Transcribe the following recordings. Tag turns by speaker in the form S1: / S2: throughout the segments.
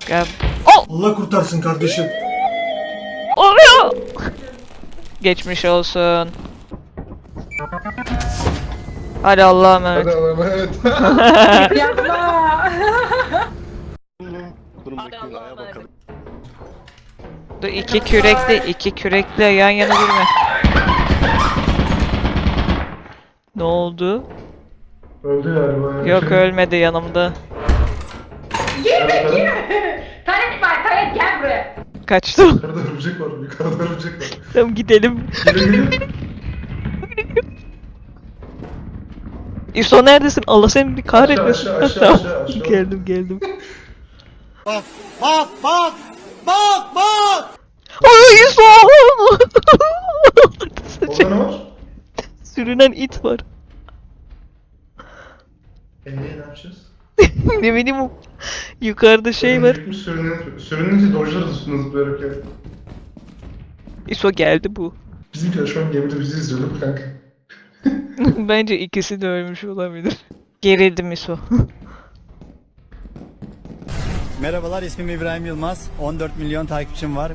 S1: Gel. Oh!
S2: Allah kurtarsın kardeşim.
S1: Oluyor. Geçmiş olsun. Hadi Allah'a emanet.
S3: Hadi Allah'ım evet.
S4: Yapma.
S5: Durun bekleyin ayağa bakalım.
S1: Dur, iki kürekle yan yana durma. Ne oldu?
S2: Öldü galiba.
S1: Yok ölmedi yanımda.
S4: Girme girme. Taret var Taret gel buraya.
S1: Kaçtım.
S2: Yukarıda örümcek var. Yukarıda örümcek var.
S1: Tamam gidelim.
S2: Gelin.
S1: İso neredesin? Allah seni bir kahretmesin.
S2: Aşağı, aşağı.
S1: Geldim.
S5: Bak bak! Bak bak!
S1: Ay İso!
S2: Orada ne var?
S1: Sürünen it var.
S2: Ne yapacağız?
S1: Ne bileyim o. Yukarıda şey var.
S2: Sürününce dojlarız üstüne zıplayarak ya.
S1: İso geldi bu.
S2: Bizimkiler şu an gemide bizi izliyor değil mi kanka?
S1: Bence ikisi de ölmüş olabilir. Gerildim İso.
S6: Merhabalar, ismim İbrahim Yılmaz. 14 milyon takipçim var.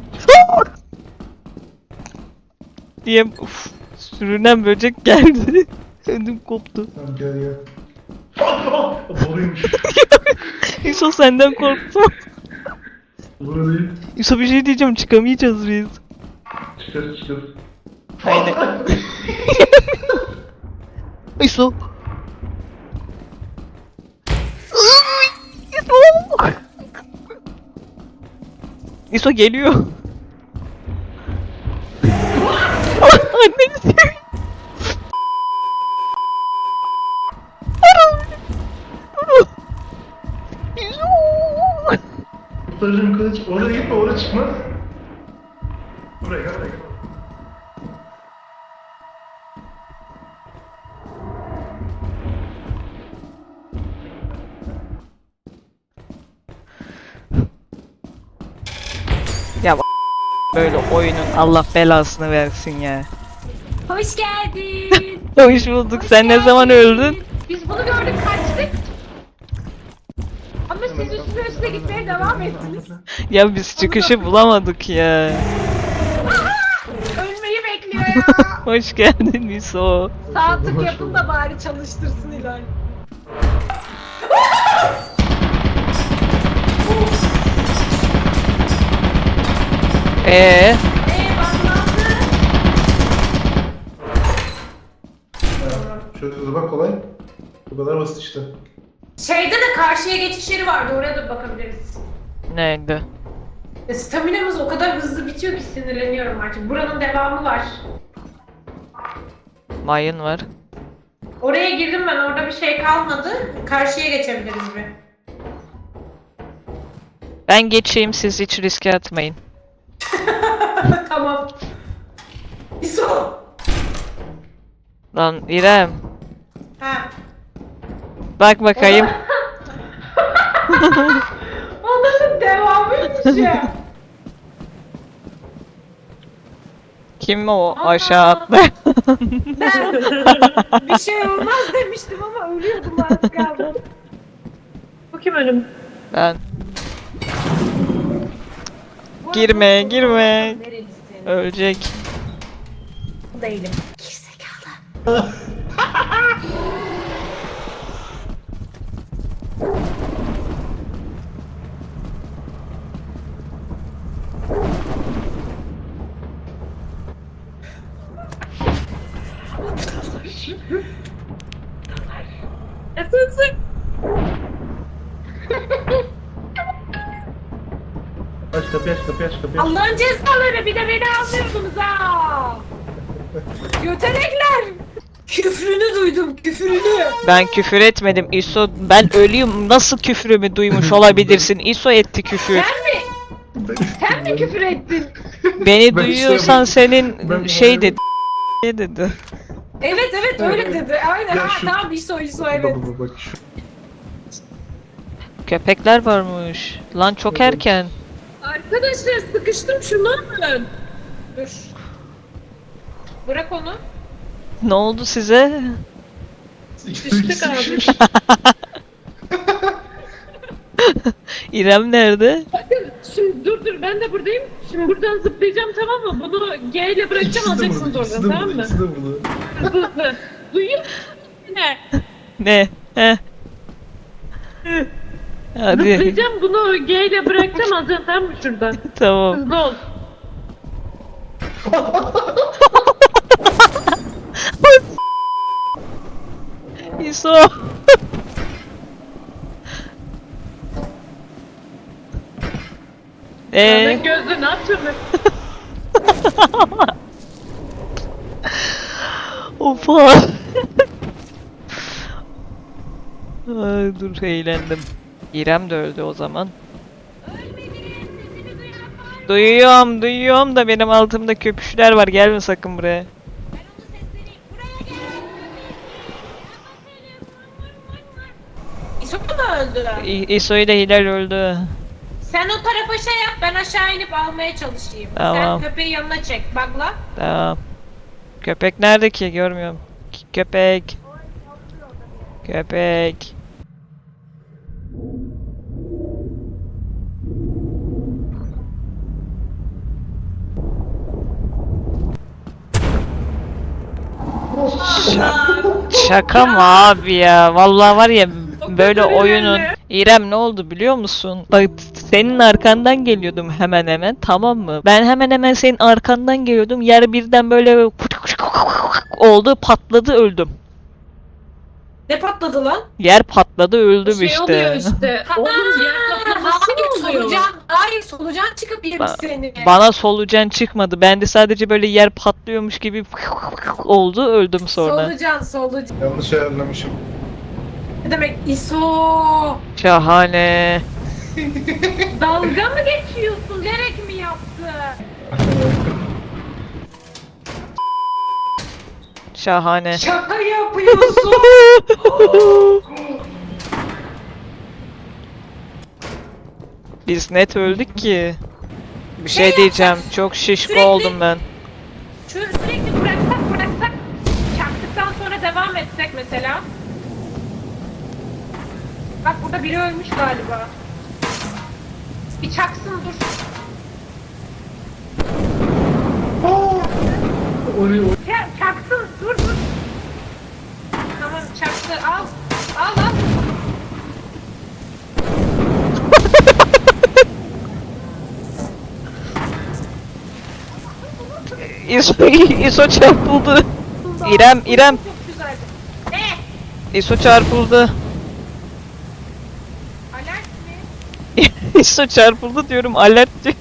S1: Diye sürünen böcek geldi. Ödüm koptu.
S2: Tamam gel. Doluymuş.
S1: İso senden korktum.
S2: Burada değil.
S1: İso bir şey diyeceğim, çıkamayacağız biz.
S2: Çıkarız.
S1: Aynen. İso. İso. İso geliyor. Annesi. İso.
S2: Kurtarıcım kılıç. Oraya gitme, oraya çıkmaz. Buraya gel.
S1: Ya böyle oyunun Allah belasını versin ya.
S4: Hoş geldin.
S1: Hoş bulduk. Sen ne zaman öldün?
S4: Biz bunu gördük kaçtık. Ama siz üstüne gitmeye devam ettiniz.
S1: Ya biz çıkışı bulamadık ya.
S4: Ölmeyi bekliyor ya.
S1: Hoş geldin İso.
S4: Sağ tık yapın da bari çalıştırsın İlay. Banlandı.
S2: Şöyle hızlı kolay. Bu kadar basit işte.
S4: Şeyde de karşıya geçiş yeri vardı, oraya da bakabiliriz.
S1: Neydi?
S4: Staminamız o kadar hızlı bitiyor ki sinirleniyorum artık. Buranın devamı var.
S1: Mayın var.
S4: Oraya girdim ben, orada bir şey kalmadı. Karşıya geçebiliriz bir.
S1: Ben geçeyim, siz hiç riske atmayın.
S4: Tamam. İso!
S1: Lan İrem.
S4: Ha.
S1: Bak bakayım.
S4: Onların devamıymış ya.
S1: Kim o
S4: Aa.
S1: aşağı atlayan?
S4: Bir şey olmaz demiştim ama ölüyordum az kaldı. Bu kim ölüm?
S1: Ben. Girme.
S4: Nerelisin?
S1: Ölecek.
S4: Değilim. Gerizekalı. Esası.
S2: Aç kapıyı.
S4: Allah'ın cezaları, bir de beni almıyordunuz ha. Götenekler. Küfrünü duydum, küfrünü.
S1: Ben küfür etmedim İso. Ben ölüyüm. Nasıl küfrümü duymuş olabilirsin? İso etti küfür.
S4: Sen mi küfür ettin?
S1: Beni
S2: Ben
S1: duyuyorsan
S2: işte-
S1: senin
S2: ben-
S1: şey dedi. Ne dedi?
S4: Evet öyle dedi. Aynen
S2: Ya
S4: ha
S2: şu-
S4: tamam İso evet.
S2: Bak şu.
S1: Köpekler varmış. Lan çok erken.
S4: Arkadaşlar sıkıştım şunu alın. Dur. Bırak onu.
S1: Ne oldu size?
S4: Düştük abi.
S1: İrem nerede?
S4: Bakın şimdi dur ben de buradayım. Şimdi buradan zıplayacağım, tamam mı? Bunu G ile bırakacağım, alacaksınız oradan, tamam mı?
S2: İkisi de burada.
S4: Duyuyor musun? Ne?
S1: Ne? Heh. Hadi.
S4: Zıplayacağım, bunu G ile bırakacağım, alacaksın, tamam mı şuradan?
S1: Tamam.
S4: Hızlı ol.
S1: İso.
S4: Ben gözle ne yapacağım ben?
S1: Opa. Ay, dur eğlendim. İrem de öldü o zaman. Duyuyorum da benim altımda köpüşler var, gelme sakın buraya.
S4: İso mu öldü?
S1: İso'yu da Hilal öldü.
S4: Sen o tarafa şey yap, ben aşağı inip almaya çalışayım.
S1: Tamam.
S4: Sen köpeği yanına çek, bakla.
S1: Tamam. Köpek nerede ki? Görmüyorum. Köpek. Köpek. Şaka mı abi ya? Vallahi var ya, böyle
S4: kadar
S1: oyunun...
S4: ilerle.
S1: İrem ne oldu biliyor musun? Bak, senin arkandan geliyordum hemen hemen, tamam mı? Ben hemen hemen senin arkandan geliyordum. Yer birden böyle oldu, patladı, öldüm.
S4: Ne patladı lan?
S1: Yer patladı, öldüm işte.
S4: oluyor işte. Oğlum yer patlaması mı oluyor?
S3: Hayır, solucan çıkıp yemiş seni.
S1: Bana solucan çıkmadı. Bende sadece böyle yer patlıyormuş gibi oldu, öldüm sonra.
S3: Solucan.
S2: Yanlış ayarlamışım.
S3: Ne demek ISO?
S1: Şahane.
S4: Dalga mı geçiyorsun? Bilerek mi yaptı?
S1: Şahane.
S3: Şaka yapıyorsun.
S1: Biz net öldük ki. Bir şey diyeceğim. Çok şişko oldum ben.
S4: Şöyle sürekli bıraksak çaktıktan sonra devam etsek mesela. Bak burada biri ölmüş galiba. Bir çaksın dur. Ya çaksın dur. Tamam çaktı al. Al.
S1: İso çarpıldı. İrem.
S4: Çok güzeldi. Ne?
S1: İso çarpıldı.
S4: Alert mi?
S1: İso çarpıldı diyorum, alert diyor.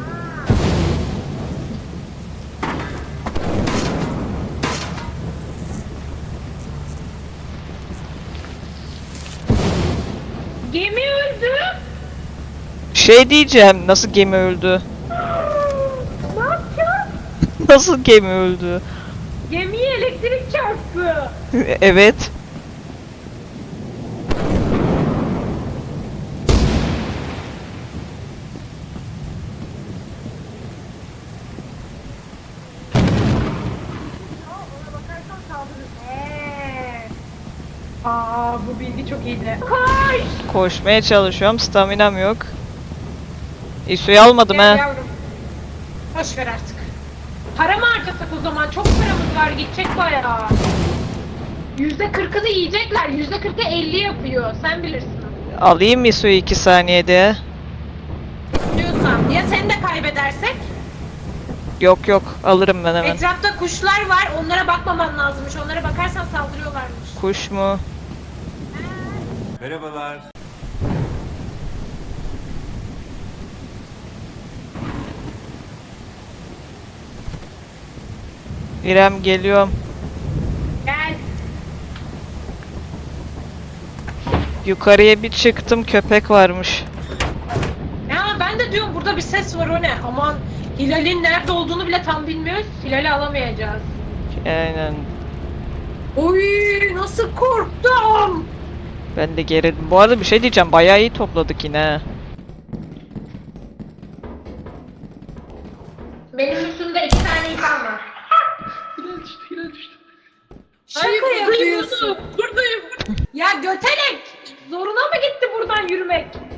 S4: Gemi öldü.
S1: Şey diyeceğim, nasıl gemi öldü?
S4: Ne yapacağız?
S1: Nasıl gemi öldü?
S4: Gemiye elektrik çarptı.
S1: Evet.
S4: Bu bilgi çok iyiydi. Koş!
S1: Koşmaya çalışıyorum, staminam yok. İso'yu almadım
S4: Gel
S1: ha.
S4: yavrum. Boş ver artık. Para mı harcasak o zaman? Çok paramız var, gidecek bayağı. %40'ını yiyecekler, %40'ı 50 yapıyor. Sen bilirsin.
S1: Alayım İso'yu 2 saniyede.
S3: Diyorsan. Ya seni de kaybedersek?
S1: Yok, alırım ben hemen.
S3: Etrafta kuşlar var. Onlara bakmaman lazımmış. Onlara bakarsan saldırıyorlarmış.
S1: Kuş mu?
S5: Merhabalar.
S1: İrem geliyorum.
S4: Gel.
S1: Yukarıya bir çıktım, köpek varmış.
S3: Ya ben de diyorum burada bir ses var, o ne? Aman, Hilal'in nerede olduğunu bile tam bilmiyoruz.
S4: Hilal'i alamayacağız.
S1: Aynen.
S3: Oy, nasıl korktum.
S1: Ben de gerildim. Bu arada bir şey diyeceğim, bayağı iyi topladık yine. Ha.
S4: Benim üstümde 2 tane insan var.
S3: Şaka
S4: Hayır,
S3: yapıyorsun.
S4: Buradayım.
S3: Ya götelek.
S4: Zoruna mı gitti buradan yürümek?